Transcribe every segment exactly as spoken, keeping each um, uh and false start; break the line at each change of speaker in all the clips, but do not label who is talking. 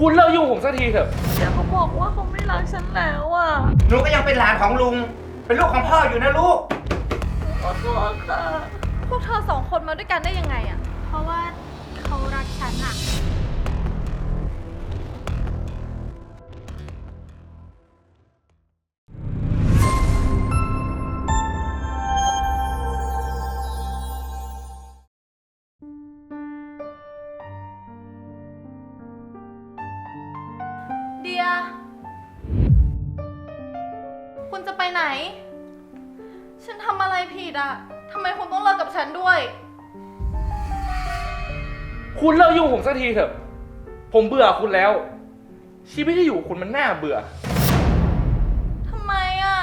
คุณเลิกยุ่งผมสักทีเถอะ
เดี๋ยวเขาบอกว่าเขาไม่รักฉันแล้วอ่ะ
หนูก็ยังเป็นหลานของลุงเป็นลูกของพ่ออยู่นะลูก
ขอโทษค่ะพวกเธอสองคนมาด้วยกันได้ยังไงอ่ะ
เพราะว่าเขารักฉันอะ
เดียคุณจะไปไหนฉันทำอะไรผิดอ่ะทำไมคุณต้องเลิกกับฉันด้วย
คุณเลิกยุ่งผมสักทีเถอะผมเบื่อคุณแล้ว ชีวิตที่อยู่คุณมันน่าเบื่อ
ทำไมอ่ะ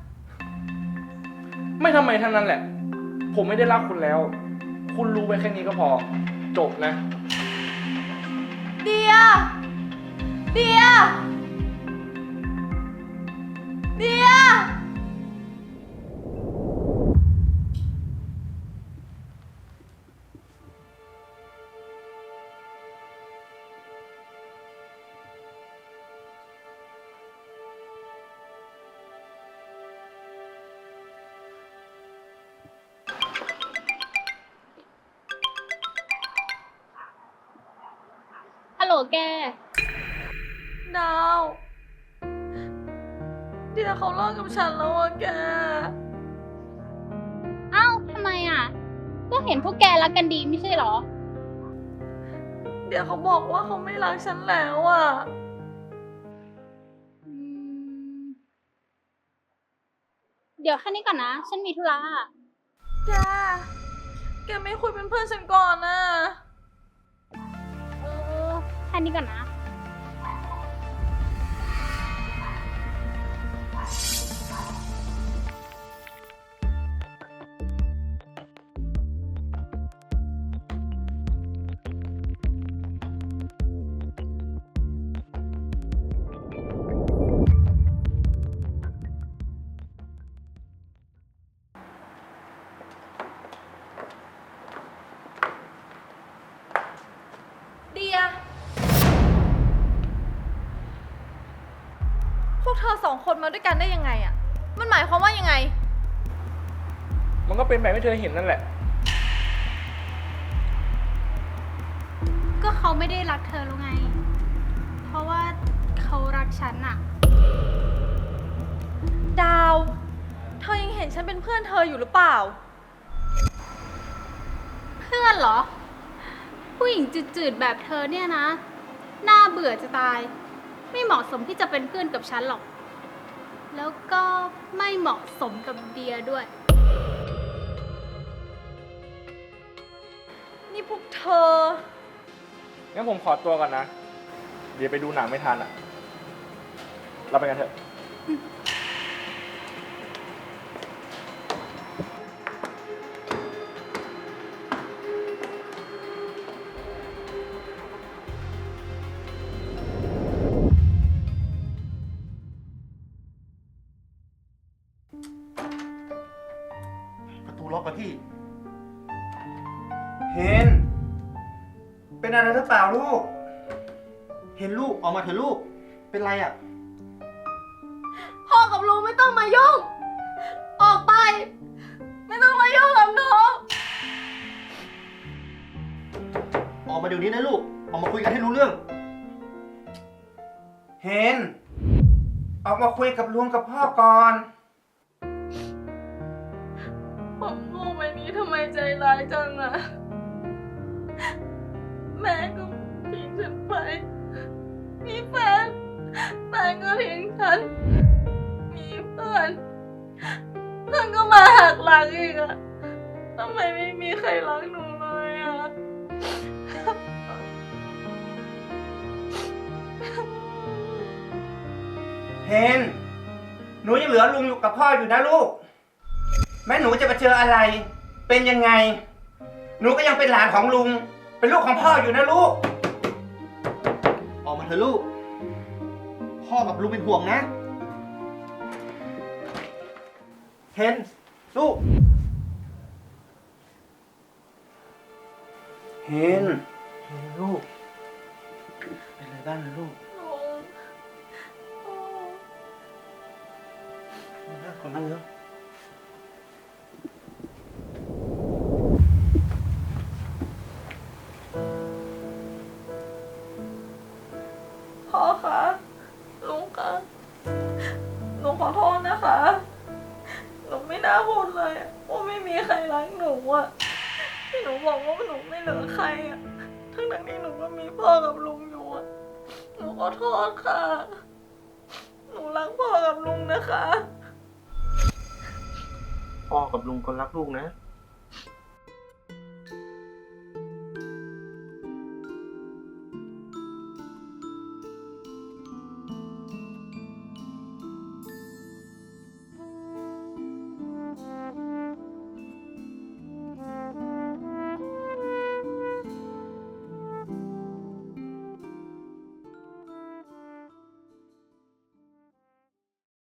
ไม่ทำไมทั้งนั้นแหละผมไม่ได้รักคุณแล้ว คุณรู้ไว้แค่นี้ก็พอจบนะ
เดียเดียเดีย
ฮัลโหลแก
ดาวเดี๋ยวเขาเลิกกับฉันแล้วอะแก
เอ้าทำไมอ่ะก็เห็นพวกแกรักกันดีไม่ใช่หรอ
เดี๋ยวเขาบอกว่าเขาไม่รักฉันแล้วอะ
เดี๋ยวแค่นี้ก่อนนะฉันมีธุระ
แกแกไม่คุยเป็นเพื่อนฉันก่อนนะ
เออแค่นี้ก่อนนะ
เดียพวกเธอสองคนมาด้วยกันได้ยังไงอะมันหมายความว่ายังไง
มันก็เป็นแบบที่เธอเห็นนั่นแหละ
ก็เขาไม่ได้รักเธอแล้วไงเพราะว่าเขารักฉันอะ
ดาวเธอยังเห็นฉันเป็นเพื่อนเธออยู่หรือเปล่า
เพื่อนเหรอผู้หญิงจืดๆแบบเธอเนี่ยนะน่าเบื่อจะตายไม่เหมาะสมที่จะเป็นเพื่อนกับฉันหรอกแล้วก็ไม่เหมาะสมกับเดียด้วย
นี่พวกเธอ
งั้นผมขอตัวก่อนนะเดี๋ยวไปดูหนังไม่ทันอ่ะเราไปกันเถอะ
ประตูล็อกอะพี่เห็นเป็นอะไรหรือเปล่าลูกเห็นลูกออกมาเถอะลูกเป็นไรอะ
พ่อกับลุงไม่ต้องมายุ่งออกไปไม่ต้องมายุ่งกับหนู
ออกมาเดี๋ยวนี้นะลูกออกมาคุยกันให้รู้เรื่องเห็นออกมาคุยกับลุงกับพ่อก่อน
ผมโง่ไปนี้ทำไมใจร้ายจังอะแม่ก็ทิ้งฉันไปมีแฟนแฟนก็ทิ้งฉันมีเพื่อนเพื่อนก็มาหักหลังอีกอะทำไมไม่มีใครรักหนูเลยอะ
เห็นหนูยังเหลือลุงอยู่กับพ่ออยู่นะลูกแม้หนูจะไปเจออะไรเป็นยังไงหนูก็ยังเป็นหลานของลุงเป็นลูกของพ่ออยู่นะลูกออกมาเถอะลูกพ่อกับลุงเป็นห่วงนะเห็นลูกเห็นเห็นลูกเป็นไรบ้านนะลูก
ลุงพ่อ
มานั่งก่อนนั่งเร็ว
พ่อคะลุงคะหนูขอโทษนะคะ หนูไม่น่าพูดเลยอะว่าไม่มีใครรักหนูอะที่หนูบอกว่าหนูไม่เหลือใครอะทั้งทั้งๆที่หนูก็มีพ่อกับลุงอยู่อะหนูขอโทษค่ะ หนูรักพ่อกับลุงนะคะ
พ่อกับลุงก็รักลูกนะ